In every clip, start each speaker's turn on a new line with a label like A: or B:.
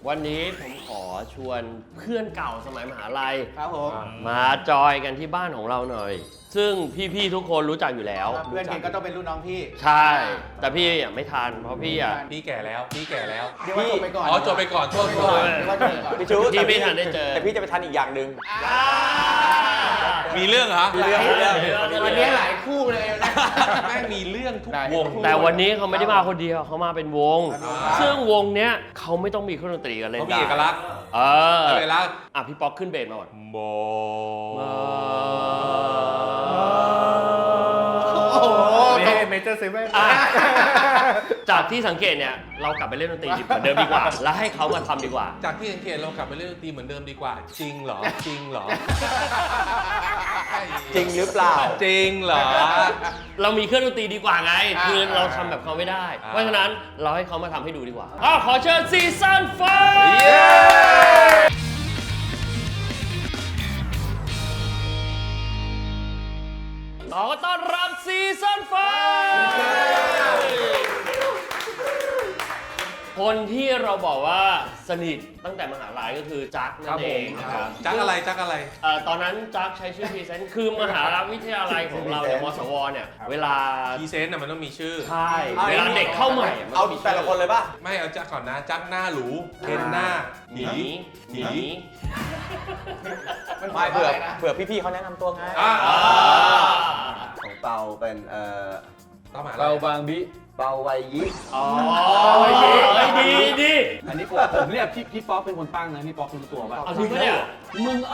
A: วันนี้ผมขอชวนเพื่อนเก่าสมัยมหาลัย
B: ครับผม
A: มาจอยกันที่บ้านของเราหน่อย ซึ่งพี่ๆทุกคนรู้จักอยู่แล้ว
B: เพื่อนเคนก็ต้องเป็นรุ่นน้องพี่
A: ใช่ แต่พี่อ่ะไม่ทันเพราะพี่อ่ะ
C: พี่แก่แล้วพี่แก่แล้ว
B: เดี๋ยวว่าจบไปก่อน
C: อ๋อจบไปก่อนโทษ
B: เดี๋
C: โท
B: ยว
C: ษ
B: ว่าจบไปก่อน
D: พี่ชู
A: ที่ไม่ทันได้เจอ
D: แต่พี่จะไปทันอีกอย่างหนึ่ง
C: มีเรื่องเหรอ
D: มีเรื่อง
B: วันนี้หลายคู่เลยนะ
C: แม่งมีเรื่องทุกวง
A: แต่วันนี้เขาไม่ได้มาคนเดียวเขามาเป็นวง
B: อ่า
A: ซึ่งวงเนี้ยเขาไม่ต้องมีเครื่องดนตรีกันเลย
C: เขามีเอกลักษณ์
A: เออ
C: เอกลักษณ์
A: อ่ะพี่ป๊อกขึ้นเบสมาก่อน
C: โบ
B: โอ้โห
D: เมเจอร์เซเว่น
A: อ่ะจากที่สังเกตเนี่ยเรากลับไปเล่นดนตรีเหมือนเดิมดีกว่า แล้วให้เขามาทำดีกว่า
C: จากที่สังเกตเรากลับไปเล่นดนตรีเหมือนเดิมดีกว่า จริงเหรอ จริงเหรอ
D: จริงหรือเปล่า
C: จริงเหรอ
A: เรามีเครื่องดนตรีดีกว่าไง คือเราทำแบบเขาไม่ได้ เพราะฉะนั้นเราให้เขามาทำให้ดูดีกว่าขอเชิญซีซั่นไฟขอต้อนรับซีซั่นไฟคนที่เราบอกว่าสนิทตั้งแต่มหาลัยก็คือจักนั่นเองนะครับ
C: จักอะไรจักอะไร
A: ตอนนั้นจักใช้ชื่อพรีเซนต์คือมหาวิทยาลัยของเราเนี่ยมสวเนี่ยเวลา
C: พรีเซนต์น่ะมันต้องมีชื่อ
A: ใช่เวลาเด็กเข้าใหม่ะมัน
D: เอา
A: ต้องมี
D: แต่ละคนเลยป่ะ
C: ไม่เอาจักก่อนนะ จักหน้าหรูเคนหน้า
A: หนีหนี
D: ไม่เผื่อพี่ๆเขาแนะนำตัวไง
C: อ่า
E: ของเปาเป็น
C: ต้องมา
F: เบาบางบิ
E: เปาไวยิ
A: อ๋อดีดี
F: อันนี้ผมเรียกพี่ป๊อกเป็นคนตั้งนะพี่ป๊อกรู้ตัวป่ะ
A: เอาจริงปะเนี่ย
F: มึง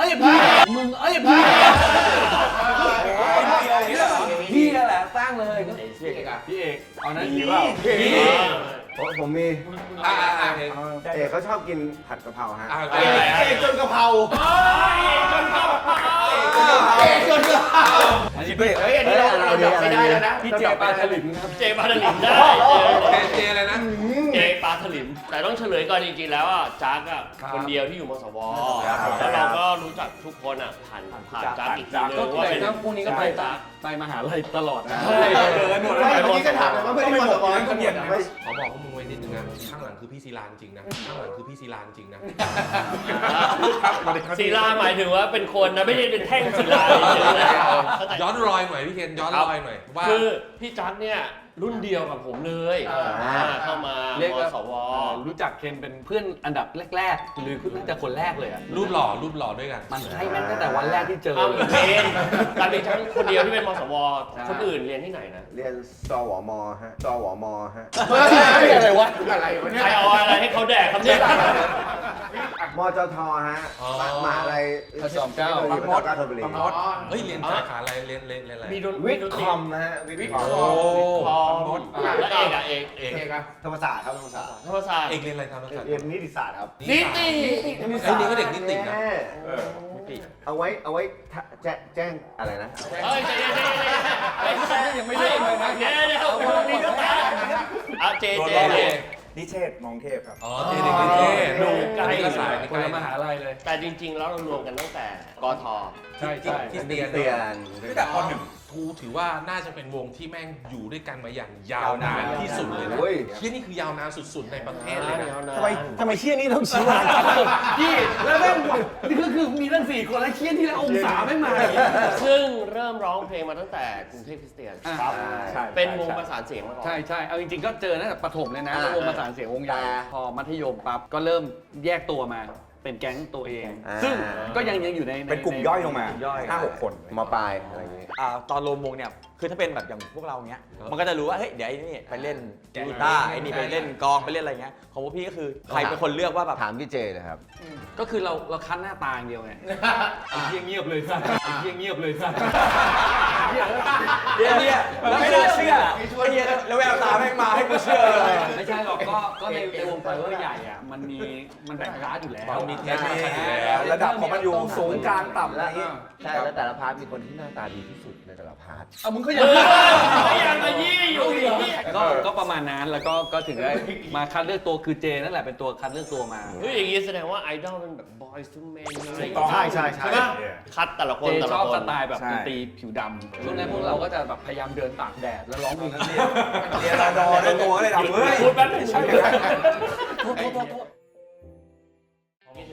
F: พี่นั่นแหละตั้งเลยพี่เอกเอานั้นดีเปล่า
E: ผมมี เอกเขาชอบกินผัดกะเพราฮะ
B: เอกจนกะเพราเอกจนกะเพรา
F: อันนี้
B: เฮ้ยอันนี้เราดับไม่ได้แล้วนะ
F: พี่เจปาถลิมครับ
A: เจปาถลิมได้
C: เจอะไรนะ
A: เจปาถลิมแต่ต้องเฉลยก่อนจริงๆแล้วอ่ะจักอ่ะคนเดียวที่อยู่มสวแล้วเราก็รู้จักทุกคนอ่ะผ่านจักอีกทีนึง
F: ก็
A: ว่า
F: แต่
A: เป็น
F: พวกนี้ก็ไปมหาลัยตลอดนะ
B: เจอกันหมดแล้วเมื่อกี้ก็ถามเลยว่าไม่ได้มาสปอนเขาเปลี่ยนไหม
C: ขอบอกพวกมึงไว้นิดนึงนะข้างหลังคือพี่ศิลาจริงนะข้างหลังคือพี่ศิลาจริงนะ
A: ศิลาหมายถึงว่าเป็นคนนะไม่ใช่เป็นแท่งศิลาเฉยๆนะเข้าใจ
C: ย้อนรอยหน่อยพี่เคนย้อนรอยหน่อยว่า
A: คือพี่จักเนี่ยรุ่นเดียวกับผมเลยเข้ามา
F: เรียก
A: ม
F: ว่า
A: สว
F: รู้จักเคนเป็นเพื่อนอันดับแรกๆหรือน่าจะคนแรกเลยอ่ะ
C: รูปหล่อด้วยกัน
F: มันใช่แม่งตั้งแต่วันแรกที่เจอ
A: อ้าว
F: เล
A: เรี
F: ย
A: ยนการเป็นทั้งคนเดียวที่เป็นมสวคนอื่นเรียนที่ไหนนะ
E: เรียนสวมฮะสวมฮะ
F: อะไรวะ
B: อะไรวะเนี่ย
A: ใครเอาอะไรให้เขาแดกครับเนี่ย
E: มจทฮะมหาลัย
F: พระจอมเกล้า
E: พระจอมเกล้าธนบุรี
C: เฮ้ยเรียนสาขาอะไรเรียนอะไร
A: มีดน
E: วิทย์คอมนะฮะวิทย์คอม
A: พอมแล้วเอกอะเอก
C: เอก
B: เอกอะ
E: ธรรมศาสตร์ครับธรรมศาสตร์
A: ธรรมศาสตร์
C: เอกเรียนอะไรครับ
E: เรียนนิติศาสตร์ครับ
A: นิติ
C: ไอ้นี่ก็เด็กนิตินะ
E: เอาไว้แจ้งอะไรนะ
A: เฮ้ยใจเย็นยังไม่ได้เลยนะเดี๋ยวมีก็ตาเจ
E: นิเทศมองเทพครับ
C: อ๋อเจเด็กนิเทศ
A: ดูใกล้
C: ก็สาย
F: คนละมหาลัยเลย
A: แต่จริงๆแล้วเรารวมกันตั้งแต่กท
F: ใช่
C: คริสเตียน
E: เตียน
C: แต่คนหนึ่งทูถือว่าน่าจะเป็นวงที่แม่งอยู่ด้วยกันมาอย่างยาวนานที่สุดเลยนะ
E: โอ้ย
C: ที่นี่คือยาวนานสุดๆในประเทศเลยนะ
D: ทำไมเชี่ยนี่ต้องชี้ว่า
F: พี่แล้วแม่งนี่คือมีตั้ง4 คนแล้วเชี่ยที่แล้วองศาไม่มา
A: ซึ่งเริ่มร้องเพลงมาตั้งแต่กรุงเทพคริสเตียน
F: ครับ
A: เป็นวงประสานเสียงมาก่อน
F: ใช่เอาจริงๆก็เจอตั้งแต่ประถมเลยนะวงประสานเสียงวงใหญ่พอมัธยมปั๊บก็เริ่มแยกตัวมาเป็นแก๊งตัวเอง ซึ่งก็ยังอยู่ใน
D: เป็นกลุ่มย่อยลงมา
F: ย่อย
D: 5-6 คน
E: มาปลายอะไรอย่างงี้
D: ตอนรวมวงเนี่ยคือถ้าเป็นแบบอย่างพวกเราเนี้ยมันก็จะรู้ว่าเฮ้ยเดี๋ยวไอ้นี่ไปเล่นกีตาร์ไอ้นี่ไปเล่นกลองไปเล่นอะไรเงี้ยของพวกพี่ก็คือใครเป็นคนเลือกว่าแบบ
E: ถามพี่เจเลยครับ
F: ก็คือเราคัดหน้าตาอย่างเดียวไงไอ้เหี้ยเงียบเลยสัสไอ้เหี้ยเงียบเลยสัส
D: เดี๋ยวเนี่ยแล้วไม่น่าเชื่อไอ้เหี้ยแล้วแววตาแม่งมาให้กูเชื่อเลย
F: ไม่ใช่หรอกก็ในวงไฟเวอร์ใหญ่อ่ะมันแบ่งคลาสอยู่แล้ว
C: มันมีเทคนิค
D: ระดับของมันอยู่สูงกลางต่ำอะไร
E: แล้ว
D: เงี้ย
E: ใช่แล้วแต่ละพาร์ทมีคนที่หน้าตาดีที่สุดในแต่ละพาร์ท
F: เอามึงก็ยัง
A: ยังมายี่อยู่อีก
F: ก็ประมาณนั้นแล้วก็ถึงได้มาคัดเลือกตัวคือเจนั่นแหละเป็นตัวคัดเลือกตัวมา
A: เฮ้ยอย่างงี้แสดงว่าไอดอลเป็นแบบ boys to men อะไรอย่าง
E: ถูกต้อง
A: เงี้ย
E: ใช่
A: ใช่ไหมคัดแต่ละค
F: เจ
A: นแต่
F: ช
A: ละ
F: อบ
A: ค
F: ส
A: น
F: ไตล์แบบดนตรีผิวดำช่วงนั้นพวกเราก็จะแบบพยายามเดินตากแดดแล้วร้องเพลง
D: เรียนรอดอด้วยตัวเลยดำเฮ้ย
A: พูดแป๊บนึง
D: โทษ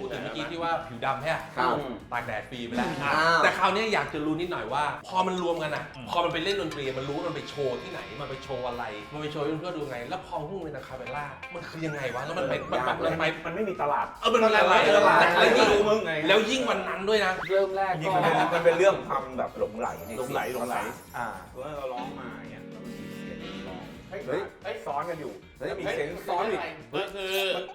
C: ถึงเมื่อกี้ที่ว่าผิวดำใช่ไหม
E: ครับ
C: ตากแดดฟรีไปแล้ว
E: อ้าว
C: แต่คราวนี้อยากจะรู้นิดหน่อยว่า พอมันรวมกันอ่ะ พอมันไปเล่นดนตรีมันรู้ว่ามันไปโชว์ที่ไหนมันไปโชว์อะไรมันไปโชว์ให้เพื่อนดูไง แล้วพอพุ่งเป็นอะคาเปลล่ามันคือยังไงวะแล้วมันไปมันไม่มีตลาดมันมีอะไรแล้วยิ่งแล้วยิ่งวันนั้นด้วยนะ
F: เริ่มแรก
G: จริง
F: ก็
G: ๆมันเป็นเรื่องความแบบหลงไหลใน
F: หลงไหล
G: เพราะว่าเราร้องมาอย่างเงี้ยแล้วมันมีเสียงร้องเฮ้ยซ้อนกันอยู่แล้วมีเสียงซ้อนอีก
A: ก็คือ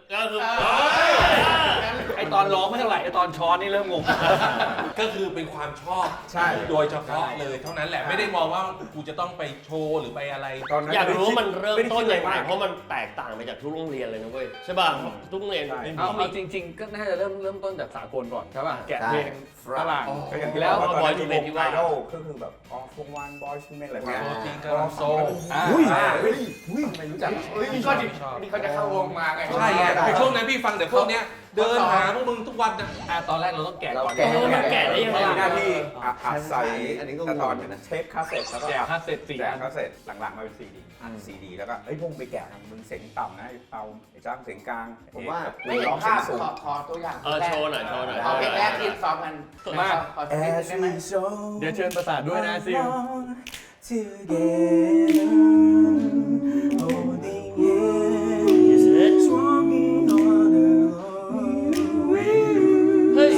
F: ไอตอนร้องไม่เท่าไหร่ไอตอนช้อนนี่เริ่มงง
C: ก็คือเป็นความชอบ
G: ใช่
C: โดยเฉพาะเลยเท่านั้นแหละไม่ได้มองว่ากูจะต้องไปโชว์หรือไปอะไร
G: ตอนนั้น
A: อยากรู้ว่ามันเริ่มต้นยังไง
G: ม่ด้คิดอะร
A: เพราะมันแตกต่างไปจากทุกโรงเรียนเลยนะเว้ยใช่ป่ะทุกโรงเรียน
F: เอาจริง ๆ ก็น่าจะเริ่มต้นจากสากลก่อนใช่ป่ะแกะเพลงฝรั่ง
G: ก็อย่างที่
F: แล้ว
G: บอกว่าตอนนั้นมีวง
A: ที่
G: ไอ
A: ว่า
G: ดอลก็คือแบบออฟวงบอยส์ทูเมนอะไรพวกเนี้ย
C: จริงก็โซ
G: อุ้ยไม่รู้จัก
C: นี่ก็นี่เขาจะเข้าวงมาไงใช่ไงช่วงนั้นพี่ฟังแต่พวกเนี้ยเดินหาพวกมึงทุกวันนะ
F: ตอนแรกเราต้องแกะก่อน
A: มันแกะได้ยังไง
G: มีหน้าที่อัดใส่
E: อันนี้ก็
G: แต่ตอน
E: งงนะ
G: เทปคาสเซ็ตแล้วก็
F: แกะคาสเซ็ต4
G: แจ
F: อั
G: ก
F: น
G: คาสเซ็ตหลังๆมาเป็นซีดีอัดซีดีแล้วก็เฮ้ยพวกมึงไปแกะมึงเสียงต่ำนะไอ้เปาไอ้จ้างเสียงกลาง
E: ผมว่า
G: ไม่ร้องเสียงสูง
B: ขอตัวอย่าง
A: โชว์หน่อยโชว์หน่อย
B: เอาเพลงแรกที่ซ้อมกัน
F: มา
B: ขอสักนิดนึงได้ไหม
F: เดี๋ยวเชิญประสานด้วยนะซิล
A: เฮ้ย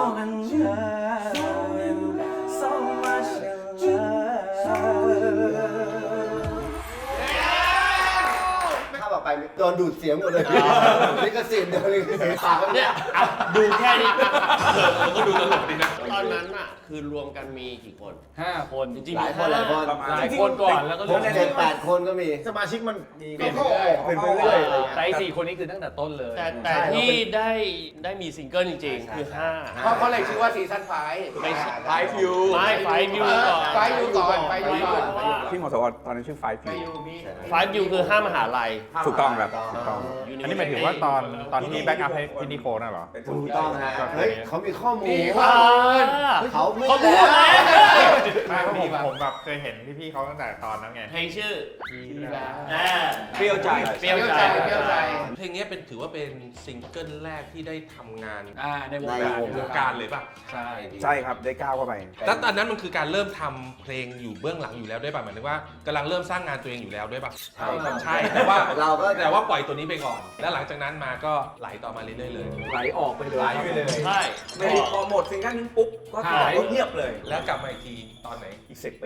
E: ถ้าแบบไปโดนดูดเสียงหมดเลยลิขสิทธิ์เดี๋ยวลิขสิทธิ์ปากก็
A: เนี่
E: เนี่ย ย
A: อ่ะดูแค่นี้ก็ดูตลกดีนะตอนนั้นอ่ะคือรวมกันมีกี่คน
F: 5 คน
A: จริงๆ
E: หลายคนหลายคน
F: หลายคนก่อนแล้วก็
E: ผมเจ็ดแปดคนก็มี
G: สมาชิกมันมี
E: เข้าออกเป็นไปเรื่อยเลย
F: แต่4 คนนี้คือตั้งแต่ต้นเลย
A: แต่ที่ได้มีซิงเกิลจริงๆ คือ
B: เขาเลยชื่อว่าซีซั่นไฟ
A: 5 ไม่ใช่
D: ไฟฟิว
A: ไม่ไฟวิวก่อน
B: ไฟอยู่ก่อนไฟอยู่ก่อน
G: ที่มสวตอนนั้นชื่อไฟ
B: ไฟ
G: ฟิว
B: อยู่มี
A: ไฟวิวคือ5 มหาลัย
G: ถูกต้องครับถูกต้อง
H: อันนี้หมายถึงว่าตอนที่แบ็กอัพให้พี่นิโคน่ะเหรอ
E: ถูกต้องฮะเฮ้ยเขามีข้อมูล
A: อ่า
E: เขาพู
A: เขา
E: ด
A: พูด
E: แล้ว
A: แล้ว
H: ไม่เพราะผมแบบเคยเห็นพี่ๆเขาตั้งแต่ตอนนั้นไง
A: เพลงชื่อ
D: เปรี้ยวใจ
A: เปรี้ยวใจ
B: เปรี้ยวใจ
C: เพลงนี้ถือว่าเป็นซิงเกิลแรกที่ได้ทำงาน
F: ในวงการ
C: วงการเลยป่ะ
F: ใช่
G: ใช่ครับได้ก้าวเข้าไป
C: แล้วตอนนั้นมันคือการเริ่มทำเพลงอยู่เบื้องหลังอยู่แล้วด้วยป่ะหมายถึงว่ากำลังเริ่มสร้างงานตัวเองอยู่แล้วด้วยป่ะ
E: ใช่ครับ
C: ใช่แต่ว่า
E: เราก็
C: แต่ว่าปล่อยตัวนี้ไปก่อน แล้วหลังจากนั้นมาก็ไหลต่อมาเรื่อยๆเลย
F: ไหลออกไปเลย
G: ไหลไปเลย
A: ใช่
G: ไม่พอหมดซิงเกิลนึงปุ๊บก็เงียบเลย
C: แล้วกลับมาอีกทีตอนไหน
G: อีก10 ปี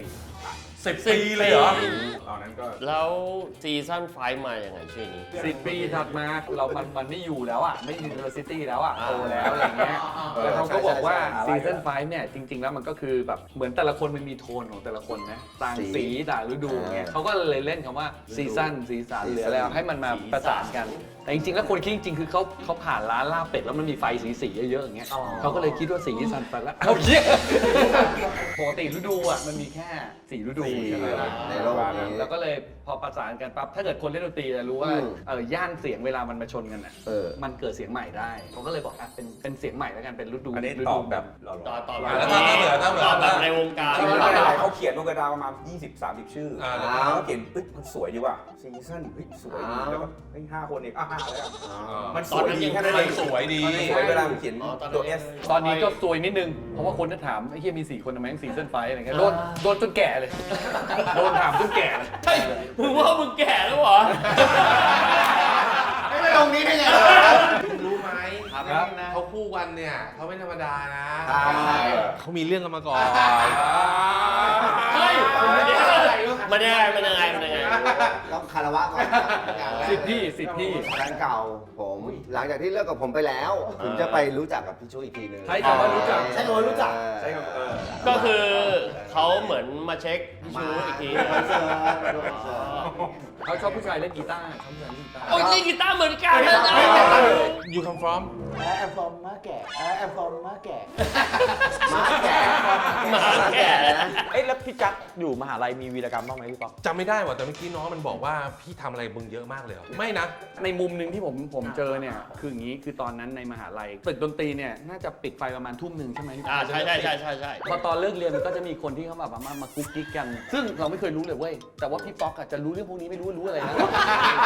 C: 10 ปีเลยเหรอ
G: ตอนนั้นก็
A: แล้วซีซั่นไฟมาอย่างไงชื่อนี้
F: 10 ปีถัดมามันไม่อยู่แล้วอ่ะไม่ยูนิเวอร์ซิตี้แล้วอ่ะโตแล้วอะไรเงี้ยแล้วเขาก็บอกว่าซีซั่น5เนี่ยจริง ๆ แล้วมันก็คือแบบเหมือนแต่ละคนมันมีโทนของแต่ละคนนะต่างสีต่างฤดูเงี้ยเขาก็เลยเล่นคำว่าซีซั่นสีสันหรืออะไรให้มันมาประสานกัน แต่จริงๆแล้วคนคิดจริงๆคือเขาผ่านร้านลาบเป็ดแล้วมันมีไฟสีๆเยอะๆอย่างเงี้ยเขาก็เลยคิดว่าสีสันไปแล้วเอาเยอะปกติฤดูอ่ะมันมีแค่4 ฤดูใช่ไหมล่ะ
E: ในโลกนี้
F: แล้วก็เลยพอประสานกันปั๊บถ้าเกิดคนเล่นดนตรีจะรู้ว่าย่านเสียงเวลามันมาชนกันอ่ะ มันเกิดเสียงใหม่ได้เขาก็เลยบอกเป็นเสียงใหม่แล้วกันเป็นฤดู
G: อันนี้
F: ฤ
G: ต
F: ดู
G: อบแบบหล่อ
A: ต่อ
C: แล้วถ้าเหลือ
A: ต่อแบบในวงการ
G: ๆเขาเขียนลงกระดาษประมาณ20-30 ชื่อ
C: อ่า
G: เขาเขียนเฮ้ยมันสวยดีว่ะซีซั่นเฮ้ยสวยดีแล้วก็เฮ้ย5 คนอีก5แล้วมันสวยดีแค่นั้นเอง
C: สวยดี
G: สวยเวลาเขียนตัว S
F: ตอนนี้ก็ซวยนิดนึง เพราะว่าคนจะถามไอ้เฮียมี4 คนทำไมต้องซีซั่นไฟอะไรเงี้ยโดนจนแก่เลย โดนถามจนแก่เลย
A: เฮ้ยมึงว่ามึงแก่แล้วเหรอ
E: ไม่ลงนี้ได้ไง
C: รู้ไหม
F: ครับ
C: เขาคู่กันเนี่ยเขาไม่ธรรมดานะ
E: ใช่
C: เขามีเรื่องกันมาก่อน
A: เฮ้ยมันยังไง
E: ต้องคารวะก่อน
F: สิทธิ์พี่
E: แฟนเก่าผม หลังจากที่เลิกกับผมไปแล้วถึงจะไปรู้จักกับพี่ชูอีกทีนึง
F: ใช้คำว่ารู้จัก
E: ใช้คำว่ารู้จัก
G: ใช่ครับ
A: ก็คือเขาเหมือนมาเช็คพี่ชูอีกที
E: คอนเสิร์ตคอนเสิร์ต
F: เขาชอบผู้ชายเล่นกีตาร์ชอบผู้ชายเล่นกีตาร์
A: โอ้ยเล่นกีตาร์เหมือนกันนะ
C: You come from
B: แอมฟอมมาแก่แอมฟอมมาแก่
E: มาแก่
A: หมาแก่นะ
D: เอ้ยแล้วพี่จักอยู่มหาลัยมีวีรกรรมบ้างไหมพี่ป๊อก
C: จำไม่ได้ว่ะแต่เมื่อกี้น้องมันบอกว่าพี่ทำอะไรมึงเยอะมากเลยเหรอไม่นะ
F: ในมุมหนึ่งที่ผมเจอเนี่ยคืออย่างนี้คือตอนนั้นในมหาลัยตึกดนตรีเนี่ยน่าจะปิดไฟประมาณทุ่มหนึ่งใช่ไหม
A: ใช่
F: พอตอนเลิกเรียนมันก็จะมีคนที่เขาแบบมากุ๊กกิ๊กกัน ซึ่งเราไม่เคยรู้เลยเว้ยแต่ว่าพี่ป๊อกอะจะรู้เรื่องพวกนี้ไม่รู้อะไรนะ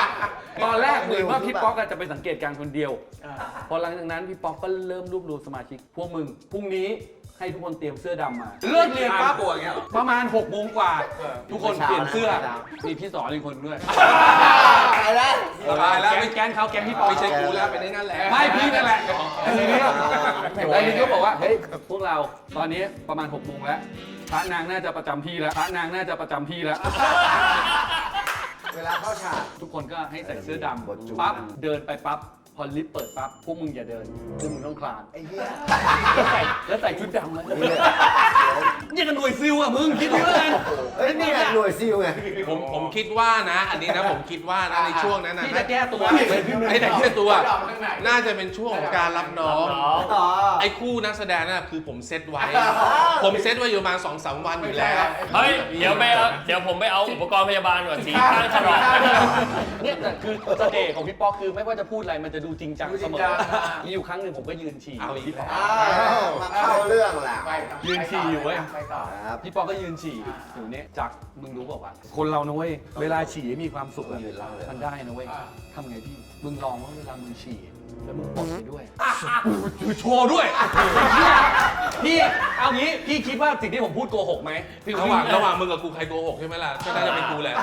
F: ตอนแรกเหมือนว่าพี่ป๊อกจะไปสังเกตการณ์คนเดียว พอหลังจากนั้นพี่ป๊อกก็เริ่มรวบรวมสมาชิกพวกมึงพรุ่งนี้ให้ทุกคนเตรียมเสื้อดำมาเลิกเรียนปั๊บประมาณ6 โมงกว่า ทุกคนเปลี่ยนเสื้อมีพี่สอนอีกคนด้วย
E: อะไรนะ
C: สบายแล้ว
F: แก๊งเขาแก๊งพี่ป๊อก
C: ไม่ใช่กูแล้วเป็นไอ้นั่นแหละ
F: ไม่พี่นั่นแหละทีนี้แล้วทีนี้ก็บอกว่าเฮ้ยพวกเราตอนนี้ประมาณ6 โมงแล้วพระนางน่าจะประจำที่แล้วพระนางน่าจะประจำที่แล้ว
E: เวลาเข้าฉาก
F: ทุกคนก็ให้ใส่เสื้อดำปั๊บเดินไปปั๊บพอลิฟต์เปิดปั๊บพวกมึงอย่าเดินพวกมึงต้องคลาน
E: ไอ้เหี้ย
F: แล้วใส่ชุดดำมาเนี่ยกันหน่วยซิลอ่ะมึงคิดดูแล้วกัน
E: เฮ้ยนี่ไงหน่วยซิลไง
C: ผมคิดว่านะ อันนี้นะผมคิดว่านะในช่วงนั้นนะ
F: พี่จะแก้ตัว
C: ไอ้แต่แค่ตัว น่าจะเป็นช่วงของการรับน้อง
E: อ๋อ
C: ไอ้คู่นักแสดงน่ะคือผมเซตไว้ ผมเซตไว้อยู่ประมาณ2-3 วันอยู่แล้ว
A: เฮ้ยเดี๋ยวผมไปเอาอุปกรณ์พยาบาลก่อนสีข้างฉลอง
F: เนี่ยแต่คือเสน่ห์ของพี่ป๊อกคือไม่ว่าจะพูดอะไรมันจะดูจริงจังเสมอมีอยู่ครั้งหนึ่งผมก็ยืนฉี่
C: เอาอีกแล้ว
E: อ้าวมาเข้าเรื่องแหละ
F: ยืนฉี่อยู่เว้ย
E: ครับ
F: พี่ป๊อกก็ยืนฉี่อยู่เนี่ยจักมึงรู้เปล่าวะคนเรานะเว้ยเวลาฉี่มีความสุขอะมันได้นะเว้ยทำไงพี่มึงลองว่าเวลามึงฉี่แล้วมึงปลดไปด้วยคือโชว์ด้วยพี่เอางี้พี่คิดว่าสิ่งที่ผมพูดโกหกไหม
C: ระหว่างมึงกับกูใครโกหกใช่ไหมล่ะก็น่าจะเป็นกูแหละ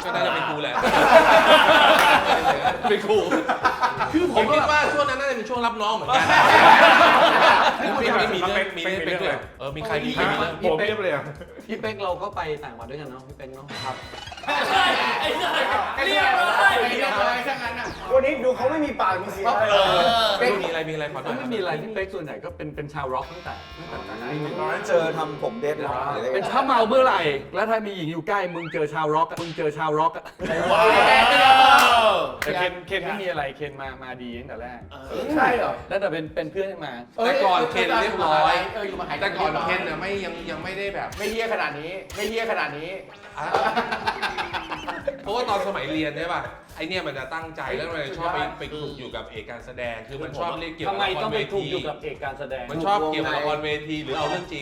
C: เป็นกูคือผมคิดว่าช่วงนั้นน่าจะเป็นช่วงรับน้องเหมือนกันมีเรื่องเป็นด้วยมีใครมีเรื่อง
H: ผมเรียบเลย
F: พี่เป๊กเราก็ไปต่างจังหวัดด้วยกันเนาะพี่เป๊กเนาะครับ
A: เรียบร้อย
E: วันนี้ดูเขาไม่มีปากมีเสียง
C: มีอะไรขอโทษ
F: ไม่มีอะไรพี่เป๊กส่วนใหญ่ก็เป็นชาวร็อกตั้งแต่นั้น
E: ตอนนั้นเจอทำผมเด็ดเลย
F: เป็นถ้าเมาเมื่อไหร่แล้วถ้ามีหญิงอยู่ใกล้มึงเจอชาวร็อกมึงเจอชาวร็อก
A: ว้าว
F: แต่เคนไม่มีอะไรเคนมาดีตั้งแต่แรก
B: ใช่เหรอ
F: แล้วแต่เป็นเพื่อนให้มา
C: แต่ก่อนเคนเรียบร้อย
B: อยู่มาหาย
C: แต่ก่อนเคนน่ะยังไม่ได้แบบ
B: ไม่เฮี้ยขนาดนี้ไม่เฮี้ยขนาดนี้
C: เพราะว่าตอนสมัยเรียนใช่ป่ะไอเนี่ยมันจะตั้งใจแล้วมันชอบไปคลุกอยู่กับเอกการแสดงคือมันชอบเรียกเกี่ยวกั
F: ทำ
C: บ
F: ไม
C: ละค
F: ต้อ
C: รง
F: ไป
C: เว
F: ถูก
C: ที
F: อยู่กับเอกการแสดง
C: มันชอบเกี่ยวกับละครเวทีหรือเอาเรื่องจริง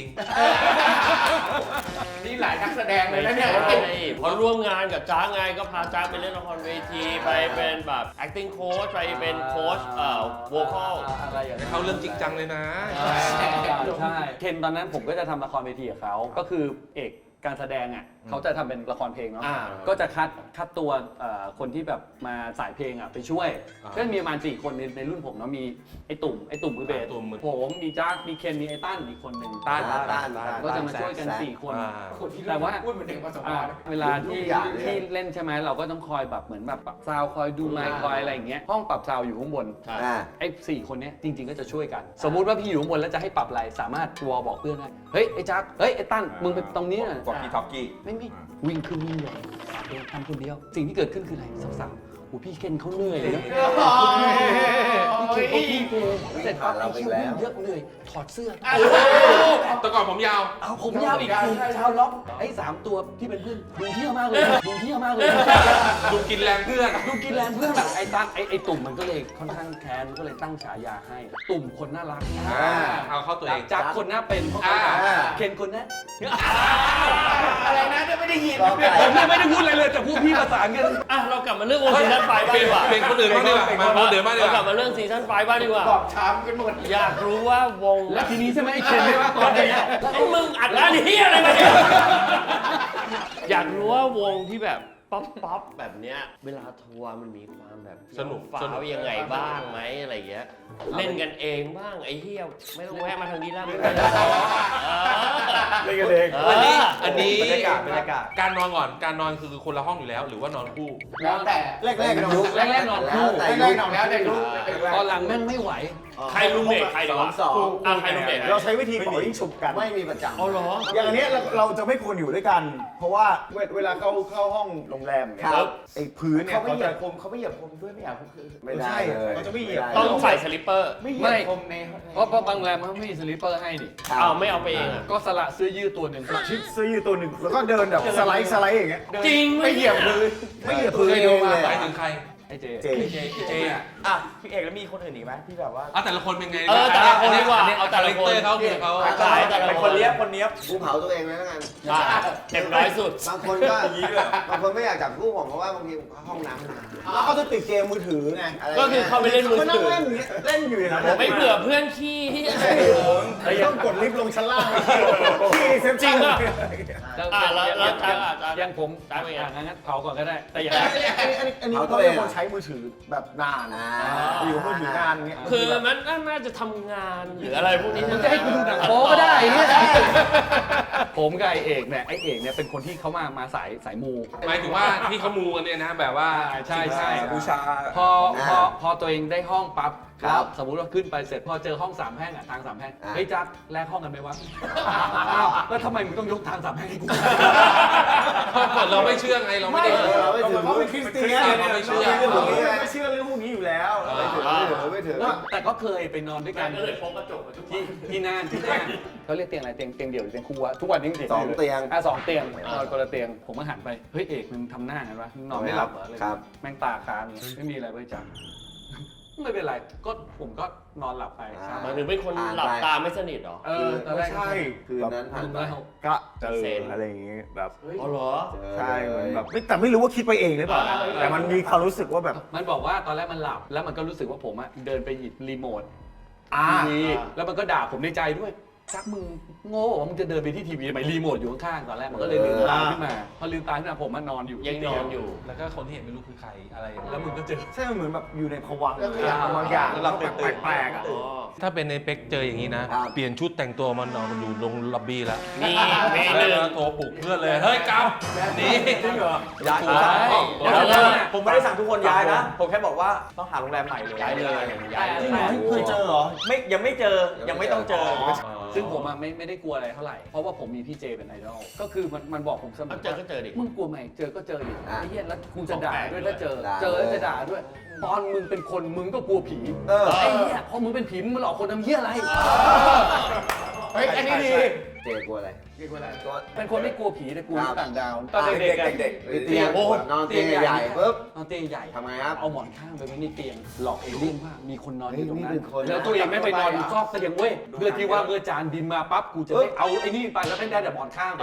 B: นี่หลายนักแสดงเลยนะเนี่ย
A: พอร่วมงานกับจ้าไงก็พาจ้าไปเล่นละครเวทีไปเป็นแบบ acting coach ไปเป็นโค้ชvocal
F: อะไรอย่างเงี้ย
C: เขาเรื่องจริงจังเลยนะ
F: ใช่เคนตอนนั้นผมก็จะทำละครเวทีกับเขาก็คือเอกการแสดงอ่ะเขาจะทำเป็นละครเพลงเนาะ ก็จะคัดตัวคนที่แบบมาสายเพลงอ่ะไปช่วย ก็มีประมาณ4 คนในรุ่นผมเนาะมีไอ้ตุ่มคือเบสผมมีจ้ามีเคนมีไอ้ตั้นอีกคนหนึ่ง
C: ต้าน
F: ก็จะมาช่วยกัน4 คน
B: คนที่
F: แต่ว่า
B: พูดเหมือนเด็กประสบ
F: อ่า
B: การณ์
F: เวลาที่เล่นใช่ไหมเราก็ต้องคอยแบบเหมือนแบบปรับซาวด์คอยดูไมค์คอยอะไรอย่างเงี้ยห้องปรับซาวด์อยู่ข้างบน ไอ้4 คนเนี้ยจริงๆก็จะช่วยกัน สมมุติว่าพี่อยู่ข้างบนแล้วจะให้ปรับอะไรสามารถวอลบอกเพื่อนได้เฮ้ยไอ้จักเฮ้ยไอ้ตั้นมึงไปตรงนี้น่ะ
G: บอกพี่ท็อปกี้
F: ไม่วิ่งขึ้นวิ่งลงทำคนเดียวสิ่งที่เกิดขึ้นคืออะไรสาวๆโอ้พี่เคนเขาเหนื่อยเลยนะพี่เคนเขาพี่เลยเสร็จปั๊บไอ้คิววิ่งเยอะเหนื่อยถอดเสื้อ
C: แต่ก่อนผมยาว
F: เอาผมยาวอีกคือชาวล็อกไอ้3 ตัวที่เป็นเพื่อนดูเที่ยวมากเลยดูเที่ยวมากเลย
C: ดูกินแรงเพื่อน
F: ดูกินแรงเพื่อนไอ้ตั้นไอ้ตุ่มมันก็เลยค่อนข้างแค้นก็เลยตั้งฉายาให้ ตุ่มคนน่ารัก
C: เอาเข้าตัวเอง
F: จากคนน่าเป็นเพราะเคนคนน่า
B: อะไรนะไม่ได้ยิน
F: ผมยังไม่ได้พูดอะไรเลยแต่พวกพี่ประสานกัน
A: อ่ะเรากลับมาเรื่องวงซีซั่นไฟบ้างดีกว่า
C: เป็นคนอื่นบ้างดีกว่ามาคนอื่นบ้างดี
A: เรา
C: ก
A: กลั
C: ว่า
A: บมาเรื่องซีซั่นไฟบ้างดีกว่า
B: บอบช้ำกันหมด
A: อยากรู้ว่าวง
F: และทีนี้ใช่ไหมไอ้เคนไม่ว่าก่อนเนี่ย
A: ไอ้มึงอัดร้านเฮียอะไรมาเนี่ยอยากรู้ว่าวงที่แบบป๊อปแบบเนี้ยเวลาทัวร์มันมีความแบบ
C: สนุก
A: ฟ้าวยังไงบ้างไหมอะไรเงี้ยเล่นกันเองบ้างไอ้เฮียไม่ต้องแวะมาทางนี้แล้วไม่เป็นไร
E: เล่นกันเอง
C: อันนี้
D: บรรยากาศ
C: การนอนก่อนการนอนคือคนละห้องอยู่แล้วหรือว่านอนคู่
B: แล้วแต่
E: แรกๆกันยุค
F: แรกๆนอนคู่
E: แต่
B: แร
E: ยุ
B: ก
E: ค
B: ๆหนองแล้วแต่รู้
F: ตอนหลังแม่งไม่ไหว
A: ใครรูมเมทใครดีวะ
E: สอง
A: ใครรูมเมท
E: เราใช้วิธีเป่ายิ่งฉุบกันไม่มีประจำ
A: อ๋อเหรอ
E: อย่างอันเนี้ยเราจะไม่ควรอยู่ด้วยกัน เพราะว่าเวลาเข้าห้องโรงแรมเนี่ยไอ้พื้นเนี่ย
B: เขาไม่
E: เขา
B: เหยีย
E: จะ
B: บผมเขาไม่เหยียบผมด้วยไม่อยากผมคือ
E: ไม่ได้เลยเขาจะไม่เหยียบ
A: ต้องใส่สลิปเปอร์
B: ไม่เหยียบผมใน
F: เพราะบางแรมเขาไม่มีสลิปเปอร์ให้ดิ
A: อ้าวไม่เอาไปเองอ่ะ
F: ก็สละเสื้อยืดตัวหนึ่ง
E: ชิดเสื้อยืดตัวหนึ่งแล้วก็เดินแบบสไลด์อย่างเงี้ย
A: จริง
B: ไม่เหยียบพื้น
E: ไม่เหยียบพื้น
B: เคย
E: เอ
B: ดู
E: ง
B: มา
E: เลย
C: หมายถึงใคร
F: ไอ้เจ
E: เจ
C: เจอ่ะ
D: อ่ะพี่เอกแล้วมีคนอื่นอีกไหมที่แบบว่า
C: แต่ละคนเป็นไง
A: แต่ละคนดีกว่าเอาแต่ละคน
C: เขาคือเขา
A: ขายแต่ละ
D: เป็น
A: ค
D: คน
A: น
D: เลี้ยบคนเนี้ยบ
E: กูเผาตัวเองเลยแล้วกัน
A: เต็มร้อยสุด
E: บางคนก็บางคนไม่อยากจับคู่ผมเพราะว่าบางทีห้องน้ำนานแล้วเขาจะติดเกมมือถือไงะไร
A: ก็คือเข้าไปเล่นมือถือ
E: เขานั่งเล่นอยู่อย่างนั้น
A: ไม่เผื่อเพื่อนขี้ที่
B: ต้องกดลิฟต์ลงชั้นล่างที่เซฟ
A: จริง
B: อ่ะ
A: ป่ะแล้วจ๊ะ
F: ยังผม
A: จ๊ะเป็นไง
F: งั้นเผาก่อนก็ได้แต่อย่า
B: อันนี้ก็เป็นคนใช้มือถือแบบนานอยู่มือถือนานเงี้ย
A: คือมันน่าจะทำงานหรืออะไรพวกนี้
F: มึงจะให้กูดูหนังโป๊ก็ได้เนี่ยผมกับไอเอกเนี่ยเป็นคนที่เขามาสายมู
C: หมายถึงว่าที่เขามูกันเนี่ยนะแบบว่า
F: ใช่
G: บูชา
F: พอตัวเองได้ห้องปั๊บแล้วสมมุติว่าขึ้นไปเสร็จพอเจอห้อง3แห้งทาง3แห้งเฮ้ยจัดแลกห้องกันไหมวะอ้าวแล้วทำไมมึงต้องยกทาง3แห้งให้กู
C: เราไม่เชื่อไงเราไม่ได้
E: เราไม่ถือ
B: เขาเป็นคริสเตียน
C: เราไม่เชื่อ
B: ไม่เชื่อเรื่องพวกนี้อยู่แล้ว
E: ไม่ถือ
F: แต่ก็เคยไปนอนด้วยกัน
A: ก็เลยพกกระจกมาทุก
F: ที่น่านเขาเรียกเตียงอะไรเตียงเดี่ยวหรือเตียงคู่วะทุกวันนี้ยังเตียง
E: สองเตียง
F: 2เตียงนอนคนละเตียงผมก็หันไปเฮ้ยเอกมึงทำหน้ากันวะมึงนอนไม่หลับเหรออะไร
E: ครับ
F: แม่งตาค้างไม่มีอะไรไว้จังไม่เป็นไรก็ผมก็นอนหลับไป
A: หมายถึงเป็นคนหลับตาไม่สนิทหรอ
F: ตอนแรก
B: ใช่
E: คืนนั้นผ่านไป
B: ก็เจออะไรอย่างงี้แบบ
A: อ๋อเหรอ
B: ใช่เหมือนแบบแต่ไม่รู้ว่าคิดไปเองหรือเปล่าแต่มันมีความรู้สึกว่าแบบ
F: มันบอกว่าตอนแรกมันหลับแล้วมันก็รู้สึกว่าผมอะเดินไปหยิบรีโมท
B: อ่า
F: ทีวีแล้วมันก็ด่าผมในใจด้วยจักมึงโง่ว่ามึงจะเดินไปที่ทีวีทำไมรีโมทอยู่ข้างๆตอนแรกมันก็เลยลืมตาขึ้นมาพอลืมตาขึ้นมาผมมันนอนอยู่
A: ยังนอนอยู่
C: แล้วก็คนที่เห็นไม่รู้คือใครอะไร
F: แล้วมึงก็เจอ
B: ใช่มันเหมือนแบบอยู่ในภวังค์บางอย่างแล้วแปลกๆอ่ะ
A: อ๋อ
C: ถ้าเป็นในเป็กเจออย่างนี้นะ เปลี่ยนชุดแต่งตัวมานอนอยู่ลงล็อบบี้แล้ว
A: มีเม
C: แล้
A: นู
C: วโทรปลุกเพื่อนเลย เฮ้ยกลับหนี่
D: ย้าย
F: ใช่
D: ผมไม่ได้สั่งทุกคนย้ายนะ ผมแค่บอกว่าต้องหาโรงแรมใหม่เลย
A: ย้ายเลยย้ายเลย
B: จริงเหรอเคยเจอเหรอ
D: ยังไม่เจอยังไม่ต้องเจอ
F: ซึ่งผมอะไม่ได้กลัวอะไรเท่าไหร่ เพราะว่าผมมีพี่เจเป็นไอดอล ก็คือมันบอกผมเสมอ
A: เจอก็เจอดิ
F: มึงกลัวไหมเจอก็เจอดิ
E: อ่ะ
F: ไอ้เหี้ยแล้วกูจะด่าด้วยถ้าเจอ
E: ด่า
F: เจอแล้วจะด่าด้วย ตอนมึงเป็นคนมึงก็กลัวผี
E: เออ
F: ไอ้เหี้ยพอมึงเป็นผีมึงมาหลอกคนทำเหี้ยอะไร
B: เฮ้ยอันนี้ดี
E: เจกลัวอะไร
F: เป็นคนไม่กลัวผีแต่กลัวต่างดาวตอน
E: อ่า
F: เด็กๆอะ
E: เด็กๆเตียงนอนเตียงใหญ่ๆปุ๊บ
F: นอนเตียงใหญ่
E: ทำไงครับ
F: เอาหมอนข้างไปไว้ในเตียง หลอกเอเลี่ยนว่ามีคนนอนอยู่ตรงนั้
E: เฮ้ย
F: น
E: นี่เป็นคน
F: แล้วตัวเองไม่ไปนอนอยู่ซอกเตียงเว้ยเพื่อที่ว่าเมื่อจานบินมาปั๊บกูจะได้เอาไอ้นี่ไปแล้วไม่ได้แต่หมอนข้างไป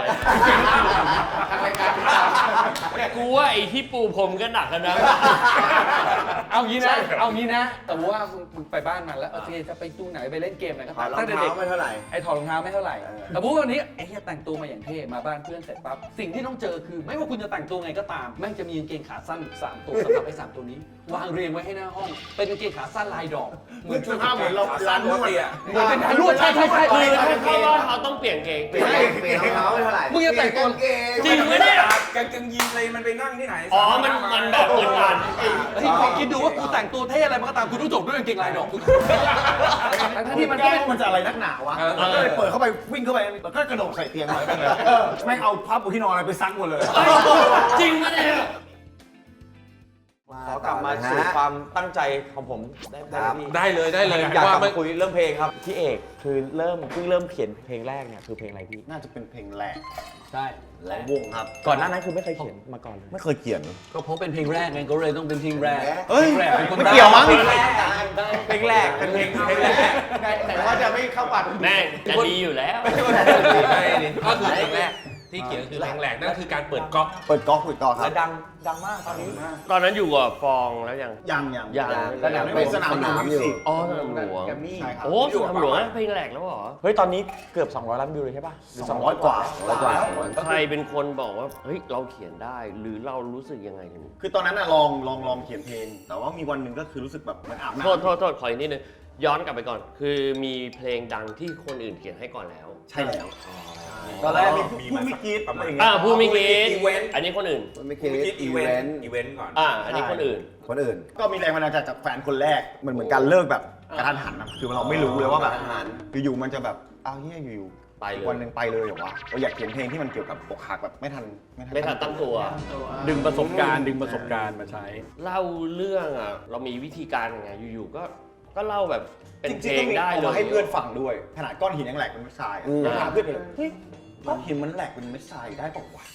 A: กูว่าไอ้ที่ปูผมก็หนักกันนะ
F: เอางี้นะแต่ว่ามึงไปบ้านมันแล้วโอเคจะไปดูไหนไปเล่นเกมอะไรก็
E: ถอ
F: ตา
E: ด
F: ม
E: รอง
F: ตั้งแต่
E: เท้า
F: เด็ก
E: ไม่เท่าไหร่
F: ไอ้ถอดรองเท้าไม่เท่าไหร่
E: เออ
F: แต่พูดวันนี้ไอ้เหี้ยแต่งตัวมาอย่างเท่มาบ้านเพื่อนเสร็จปั๊บสิ่งที่ต้องเจอคือไม่ว่าคุณจะแต่งตัวไงก็ตามแม่งจะมีกางเกงขาสั้น3ตัวสำหรับไอ้3ตัวนี้ วางเรียงไว้ให้หน้าห้องเป็นกางเกงขาสั้นลายดอก
B: เหมือนชุดผ้าเหมือนเราร้านนวดอ่ะ
F: เหมือนเป็นร้านนวดใช่
A: คือถ้าเข้าว่าเขาต้องเปลี่ยนเกง
E: เปลี่ยนรองเท้าไม่เท่าไหร่
F: มึงจะแต่งตัว
A: จริงไหมเนี่ย
G: กางเกงยีนเลยมันไปนั่งที่ไหน
A: อ๋อ มันแบบอึดอัด
F: เฮ้ยลองคิดดูว่ากูแต่งตัวเท่อะไรมันก็ตามกูต้องจบด้วยกางเกงลายดอกทั้งที่มันก็
B: แก้
F: เป็น
B: มันจะอะไรนักหนาวะก็เลยเปิดเข้าไปวิ่งเข้าไปแล้วก็กระโดดใส่เตียงเลยแม่งเอาผ้าปูที่นอนอะไรไปซักหมดเลย
A: จริงไหมเนี่ย
D: ขอกลับมาสู่ความตั้งใจของผมได้ไหมพี่
C: ได้เลย
D: อยากกลับ
C: ไม่
D: มาคุยเรื่องเพลงครับพี่เอกคือเพิ่งเริ่มเขียนเพลงแรกเนี่ยคือเพลงอะไรพี่
B: น่าจะเป็นเพลงแรก
F: ใช่
B: และวงครับ
D: ก่อนหน้านั้นคือไม่เคยเขียนมาก่อนเลย
B: ไม่เคยเขียน
F: ก็เพราะเป็นเพลงแรกไงก็เลยต้องเป็นเพลงแรก
B: เฮ้ย
F: พลงแรกเป็นคน
B: ไม่เกี่ยวมั้ง
D: เพลงแรกเป็นเพลงแรก
B: แต่ว่าจะไม่เข้าปัด
A: แม่งจะดีอยู่แล้ว
C: ก็คือเพลงแรกที่เขียนคือเพลงแรกนั่นคือการเปิดก๊อก
B: เปิดก๊อกครั
D: และ
B: บ
D: ดังมากตอนนี้
A: ตอนนั้นอยู่กับฟองแล้วยัง
B: ยัง
A: สนาม
B: เป็นสนามหลวงอยู่
A: อ๋อสนามหลวง
B: ใช่ครับ
A: โอ้สนามหลวงเพลงแรกแล้วเหรอ
D: เฮ้ยตอนนี้เกือบ200 ล้านวิวเลยใช่ป่ะ
B: 200 กว่า
A: ใครเป็นคนบอกว่า เฮ้ย เราเขียนได้ หรือเรารู้สึกยังไงถึง
B: คือตอนนั้นน่ะลองเขียนเพลง แต่ว่ามีวันหนึ่งก็คือรู้สึกแบบเหมือนอาบน้ำ
A: โทษขออีกนิดนึง ย้อนกลับไปก่อน คือมีเพลงดังที่คนอื่นเขียนให้ก่อนแล้ว
B: ใช่แล้ว
E: ตอนแรกมี
B: พูดไม่คิดอะไรอย่างเงี้ย
A: ผู้มีกินอันนี้คนอื่น
E: มันไม่คิดอีเวนต์
G: ก่อน
A: อันนี้คนอื่น
E: คนอื่น
B: ก็มีแรงบันดาลใจจากแฟนคนแรกมันเหมือนการเลิกแบบกระทันหันนะคือเราไม่รู้เลยว่าแบบ
E: กระทันหัน
B: อยู่ๆมันจะแบบอ้าวเฮียอยู่
A: ไปเลย
B: วันหนึ่งไปเลยเหรอวะเราอยากเขียนเพลงที่มันเกี่ยวกับอกหักแบบไม่ทัน
A: ไม่ทันตั้งตัว
F: ดึงประสบการณ์มาใช้
A: เล่าเรื่องเรามีวิธีการยังไง อยู่ๆ ก็เล่าแบบเป็น
B: จ
A: เพ
B: ริง
A: ล
B: ๆต้องมี
A: งได้
B: เอา
A: เล
B: มาย ให้เพื่อนฟังด้วยขนาดก้อนหินยังแหลกเป็นเม็ดทราย
E: อืม
B: ถามเพื่อนเลยเฮ้ยก้อนหินมันแหลกเป็นเม็ดทรายได้เปล่าวะ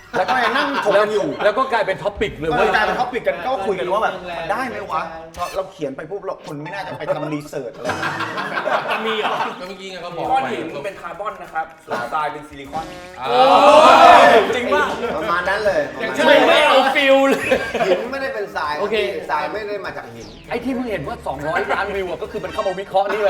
B: แล้วก็ยังนั่งถกกันอยู่
F: แล้วก็กลายเป็นท็อปิกเลย
B: เอ
F: เว้
B: อย กลายเป็นท็อปิกกันก็คุยกันว่าแบบมันได้ไหมวะเราเขียนไปปุ๊บเราคนไม่น่าจะไปทำรีเสิร์ชอะไร
A: มีเหรอ
C: ก็เมื่อกี้ไงก็บอก
G: ก้อน
C: ไป
G: หินเป็นคาร์บอนนะครับส่วนทรายเป็นซิลิคอน
D: จริงป่ะ
E: ประมาณนั้นเลย
A: ไม่เอาฟิลเลย
E: หินไม่ได้เป็นทราย
A: โอเค
E: ทรายไม่ได้มาจากหิน
F: ไอ้ที่เพิ่งเห็นว่า 200 ล้านวิวอะก็คือมันเข้ามาวิเคราะห์นี่เลย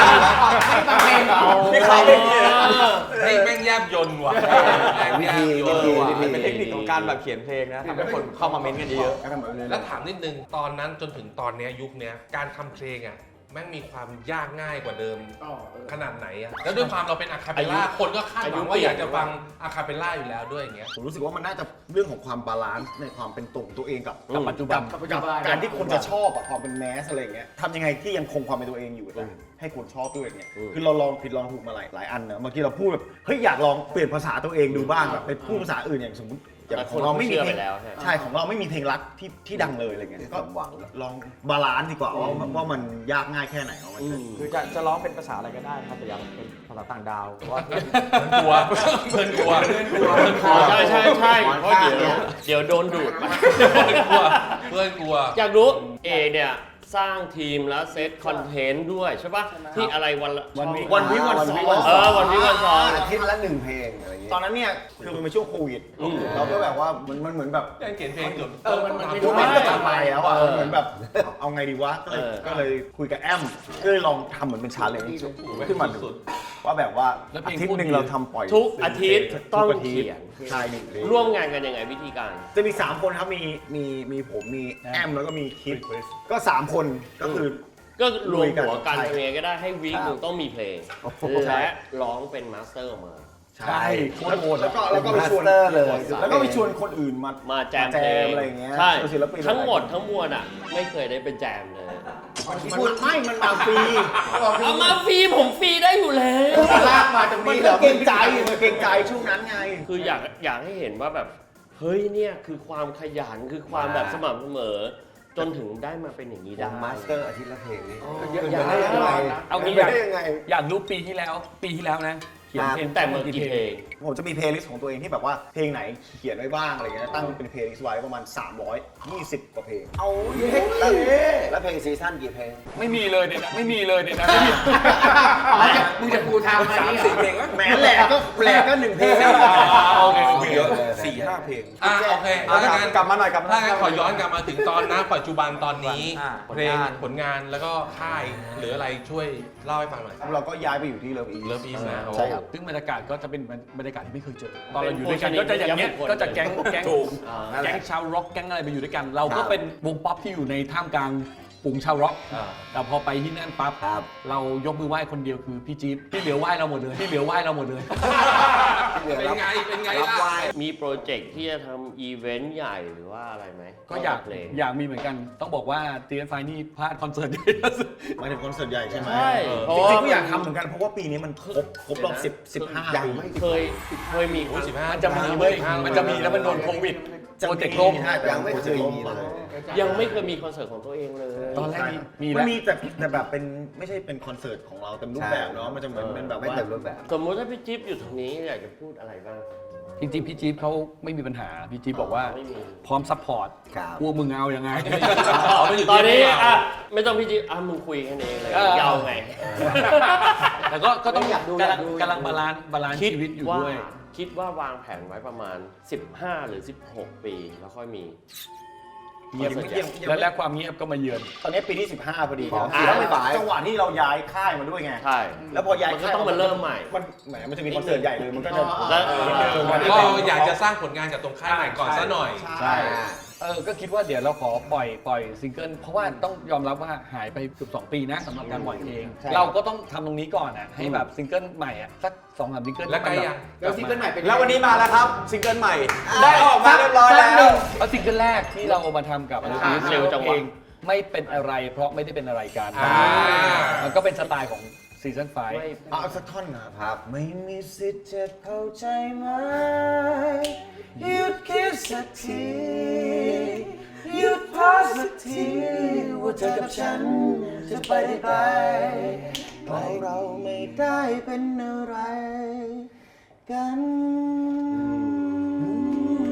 D: นี่เขาเป็นอย่างนี้นะ
C: เฮ้ยแม่งแยบยนต์ว่ะแม่งแยบยนต์ว่ะ
D: เป็นเทคนิคของการแบบเขียนเพลงนะทำให้คนเข้ามาเม้นต์กันเยอะ
C: แล้วถามนิดนึงตอนนั้นจนถึงตอนเนี้ยยุคเนี้ยการทำเพลงอ่ะแม่งมีความยากง่ายกว่าเดิมขนาดไหนอ่ะแล้วด้วยความเราเป็นอะคาเปลล่าคนก็คาดหวังว่าอยากจะฟังอะคาเปลล่าอยู่แล้วด้วยอย่างเงี้ย
B: ผมรู้สึกว่ามันน่าจะเรื่องของความบาลานซ์ในความเป็นตัวเองกับ
F: ปัจจุบัน
B: กับการที่คนจะชอบอะความเป็นแมสอะไรอย่างเงี้ยทำยังไงที่ยังคงความเป็นตัวเองอยู่แต่ให้คนชอบด้วยเนี่ยคือเราลองผิดลองถูกมาหลายอันนะบางทีเราพูดแบบเฮ้ยอยากลองเปลี่ยนภาษาตัวเองดูบ้างแบบไปพูดภาษาอื่นอย่างสมมติอย่างของเราไม่มีเพลง
A: แล้วใช่
B: ใช่ของเราไม่มีเพลงรักที่ดังเลยอะไรเงี้ยก็ลองบาลานซ์ดีกว่าว่ามันยากง่ายแค่ไหนว่ามัน
D: คือจะร้องเป็นภาษาอะไรก็ได้ครับแต่อย่าเป็นภาษาต่างดาวเพราะว่า
C: กลัวเพื่อนกลัว
A: ใช่เพราะเดี๋ยวโดนดูดไป
C: เพื่อนกลัว
A: อยากรู้เอเนี่ยสร้างทีมแล้วเซตคอนเทนต์ด้วยใช่ปะที่อะไรวันละ
B: วันวิ
A: ช่อง
B: วันวิวันสอง
A: วันวิวันสอง
E: อาทิตย์ละ1 เพลงอะไรอย่างเงี้ย
B: ตอนนั้นเนี่ยคือมันเป็นช่วงโควิดเราก็แบบว่ามันเหมือนแบบ
C: ยังเขียนเพลงเกือบ
B: ยุคนี้ก็จะไปแล้วอ่ะเหมือนแบบเอาไงดีวะก็เลยคุยกับแอมก็เลยลองทำเหมือนเป็นชาเลนจ์ขึ้นมาดูว่าแบบว่าอาทิตย์หนึ่งเราทำปล่อย
A: ทุกอาทิตย์ต้อง
B: ทุกาทิต
A: เขียน
B: ใช่หนึ่งเพลง
A: ร่วมงานกันยังไงวิธีการ
B: จะมี3คนครับมีผมมีแอมแล้วก็มีคิดก็3คนก็คือ
A: ก็รวมหัวกัน
B: ใช่
A: ทำยังไงก็ได้ให้วีคหนึ่งต้องมีเพลงและร้องเป็นมาสเตอร์ออกมา
B: ใช่แล้วก็ไปชวน
E: Master เลย
B: แล้วก็ไปชวนคนอื่นมา
A: มาแจมเพลง
B: อะไรอย่างเงี้ย
A: ใช่
B: ศิลปิน
A: ทั้งหมดทั้งมวลอ่ะ ไม่เคยได้เป็นแจมเลย
B: มันมาฟรี
A: เอามาฟรีผมฟรีได้อยู่แล้ว
B: ลากมาตรงนี้เหรอเกรงใจมันเกรงใจช่วงนั้นไง
A: คืออยากให้เห็นว่าแบบ เฮ้ยเนี่ยคือความขยันคือความแบบสม่ำเสมอ จนถึงได้มาเป็นอย่างนี้
E: ผ
A: ได้
E: มมาสเตอร์อาทิตย์ละเพลงนี้
A: อยาก
E: ได้ยังไง
F: เอางี้
E: ไม่ได้ยังไง
F: อยากรู้ปีที่แล้วนะ เขียนเพลง
A: แต่เมื่อกี่เพลง
B: ผมจะมีเพลย์ลิสต์ของตัวเองที่แบบว่าเพลงไหนเขียนไว้บ้างอะไรเงี้ยตั้งเป็นเพลย์ลิสต์ไว้ประมาณ320 กว่าเพลง
E: เอาแล้วเพลงซีซั่นกี่เพลง
F: ไม่มีเลยเนี่ยนะไม่มีเลยเนี่ยนะ
G: มึงจะกูทำอะไรเนี่ย
C: เพลงวะ
B: แหมแหลกก็1เพลง
F: โอเค
E: เยอะเลย
C: 4-5 เพลงโอเค
D: เอา
C: ถ้างั้น
D: กลับมาหน่อยกลับมาหน่
C: ถ้า
D: อย
C: งั้นขอย้อนกลับมาถึงตอนนะปัจจุบันตอนนี้
D: ผล
C: เพลง
D: งาน
C: ผลงานแล้วก็ค่ายหรืออะไรช่วยเล่าให้ฟังหน่อย
B: เราก็ย้ายไปอยู่ที่เลิฟอี
C: เลิฟอีสนะ
B: ใช่ครับ
F: ซึ่งบรรยากาศก็จะเป็นบรรยากาศที่ไม่เคยเจอ ตอนเราอยู่ด้วยกันก็จะอย่างเงี้ยก็จะแก๊งชาวร็อกแก๊งอะไรไปอยู่ด้วยกัน เราก็เป็นวงป๊อปที่อยู่ในท่ามกลางฝูงชาวร็อก แต่พอไปที่นั่นปั๊บเรายกมือไหว้คนเดียวคือพี่จี๊บที่เหลือไหว้เราหมดเลยที่เหลือไหว้เราหมดเลย
C: เป็นไงล่ะ
A: มีโปรเจกต์ที่จะทำอีเวนต์ใหญ่หรือว่าอะไรไหม
F: ก็อยาก
A: เพลง
F: อยากมีเหมือนกัน ต้องบอกว่าตีนไฟนี่พลาดคอนเสิร์ตใหญ่ ที่สุด
B: หมายถึงคอนเสิร์ตใหญ่ใช่ไหม
A: ใช่
B: จริงๆก็อยากทำเหมือนกันเพราะว่าปีนี้มันครบรอบ15 ปี
A: เคยมี
F: มันจะมีเว้ยมันจะมีแล้วมันโดนโควิดโปรเจกต์ล่ม
E: ยังไม่เคยมีเลย
A: ยังไม่เคยมีคอนเสิร์ตของตัวเองเลย
F: ตอนแรกมี
B: มั
F: แล้
B: น
F: ว
B: มีแต่แบบเป็นไม่ใช่เป็นคอนเสิร์ตของเราเต็มรูปแบบเนาะมันจะเหมือนเป็นแบบ
E: ไม่
B: ว่า
E: เต็มรูปแบบ
A: สมมุติถ้าพี่จิ๊บอยู่ตรงนี้อยากจะพูดอะไรบ้าง
F: จริงๆพี่จี๊บเขาไม่มีปัญหาพี่จี๊บบอกว่า
A: ไม่มี
F: พร้อมซัพพอร์ต
E: ครับ
F: พวกมึงเอายังไง
A: ตอนนี้อ่ะไม่ต้องพี่จิ๊บมึงคุยกันเองเลยยาวไง
F: แต่ก็ต้อง
E: อยากดู
F: กำลังบาลานซ์ชีวิตอยู่ด้วย
A: คิดว่าวางแผนไว้ประมาณ 15 หรือ 16 ปีแล้วค่อยมี
F: เงียบ
A: คอนเสิร์ตใหญ่
F: และความเงียบก็มาเยือน
B: ตอนนี้ปีที่ 15พอดี
E: อ๋อ
B: แล้วเป็นจังหวะที่เราย้ายค่ายมาด้วยไง
A: ใช่
B: แล้วพอย้าย
A: มันก็
B: ค่าย
A: ต้องมาเริ่มใหม่
B: มันแหมมันจะมีคอนเสิร์ตใหญ่เลยมันก็จะ
A: แล้ว
C: ก็อยากจะสร้างผลงานกับตรงค่ายใหม่ก่อนซะหน่อย
B: ใช่
F: ก็คิดว่าเดี๋ยวเราขอปล่อยซิงเกิลเพราะว่าต้องยอมรับว่าหายไปเกือบ2 ปีนะสำหรับการปล่อยเพลง
B: ใช่
F: เราก็ต้องทำตรงนี้ก่อนอ่ะให้แบบซิงเกิลใหม่อ่ะสัก2-3ซิงเกิล
C: แล้วไกลยัง
G: แล้วซิงเกิลใหม่เป็น
D: แล้ววันนี้มาแล้วครับซิงเกิลใหม่ ได้ออกมาเรียบร้อยแล้ว
F: แล้วซิงเกิลแรกที่เราเอามาทำกับ
A: เร็วจังวะ
F: เพลงไม่เป็นอะไรเพราะไม่ได้เป็นอะไรกัน
C: อ่า
F: มันก็เป็นสไตล์ของซีซั่น5
B: เอาสักท่อนนะครับไม่มีสิทธิ์จะเข้าใจไหมหยุดคิดสักทีหยุดพอสักทีว่าเธอกับฉันจะไปได้ไกลเพราะเราไม่ได้เป็นอะไรกัน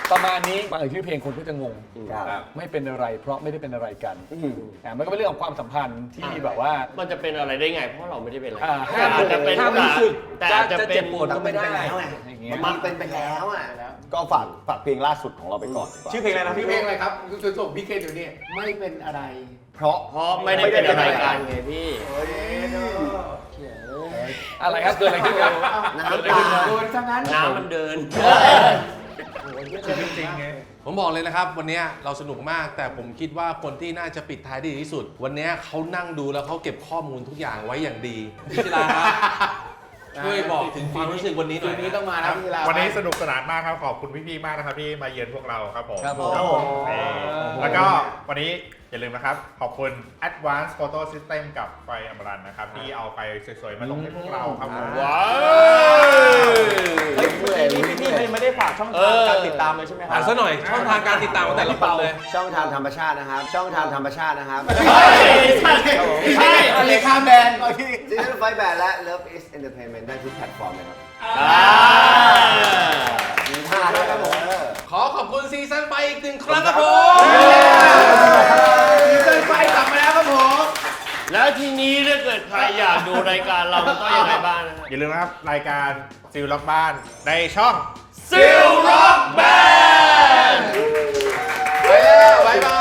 F: ประมาณนี้มาชื่อเพลงคนก็จะงง
E: ครับ
F: ไม่เป็นอะไรเพราะไม่ได้เป็นอะไรกันมันก็เป็นเรื่องของความสัมพันธ์ที่แบบว่า
A: มันจะเป็นอะไรได้ไงเพราะเราไม่ได้เป็นอะไร
F: ห้าม
A: อาจจะเป็น
F: ห้ามรู้สึก
A: แต่อาจจะเป็น
F: เจ็บปวดก็ไม่ได้
E: อย่างเงี้ยมันเป็นไปแล้วอ่ะ
B: ก็ฝากเพลงล่าสุดของเราไปก่อนดีกว่า
D: ชื่อเพลงอะไรนะพี่
G: เพลงอะไรครับคุณส่งพี่เคนอยู่นี่ไม่เป็นอะไร
B: เพราะ
A: เพราะไม่ได้เป็นอะไรกันไงพี่
F: อะไรครับเกิดอะไรขึ้นครับ
B: น้ำตา
G: โดนซะงั้น
A: น้ำมันเดิน
H: จริงๆไง
C: ผมบอกเลยนะครับ วันนี้เราสนุกมาก แต่ผมคิดว่าคนที่น่าจะปิดท้ายได้ดีที่สุด วันนี้เขานั่งดูแล้วเขาเก็บข้อมูลทุกอย่างไว้อย่างดีพิจิราครับช่วยบอกถึงความรู้สึกวันนี้หน่อย
G: นี้ต้องมานะพี่ลา
H: วันนี้สนุกสนานมากครับ ขอบคุณพี่ๆมากนะครับที่มาเยือนพวกเราครับผม
F: ครับผม
H: นี่แล้วก็วันนี้อย่าลืมนะครับ ขอบคุณ Advanced Photo System กับไฟอมรันนะครับ ที่เอาไฟสวยๆ มาลงให้พวกเราครับผม
A: ว้าว
D: เฮ้ยเมื่อกี้พี่ไม่ได้ฝากช่องทางการติดตามเลยใช่ไหมครั
C: อ่านซะหน่อยช่องทางการติดตามของแต่ละคนเลย
E: ช่องทางธรรมชาตินะครับ ช่องทางธรรมชาตินะครับ
A: ใช่
G: เลขาแบน
E: ซีซั่นไฟแบนและ Love is Entertainment ได้ทุกแพลตฟอร์มเลยครับ มีท่าด้วยครับผม
C: ขอขอบคุณซีซั่นไปอีกหนึ่งครั้งครับผม
G: ซีซั่นไฟกลับมาแล้วครับผม
A: แล้วทีนี้ถ้าเกิดใครอยากดูรายการเราต้องยังไงบ้างนะฮะ
H: อย่าลืมนะครับ รายการซิลล็อกบ้านในช่อง
A: ซิลร็อกแบนด์
C: ไปแล้วบ๊ายบาย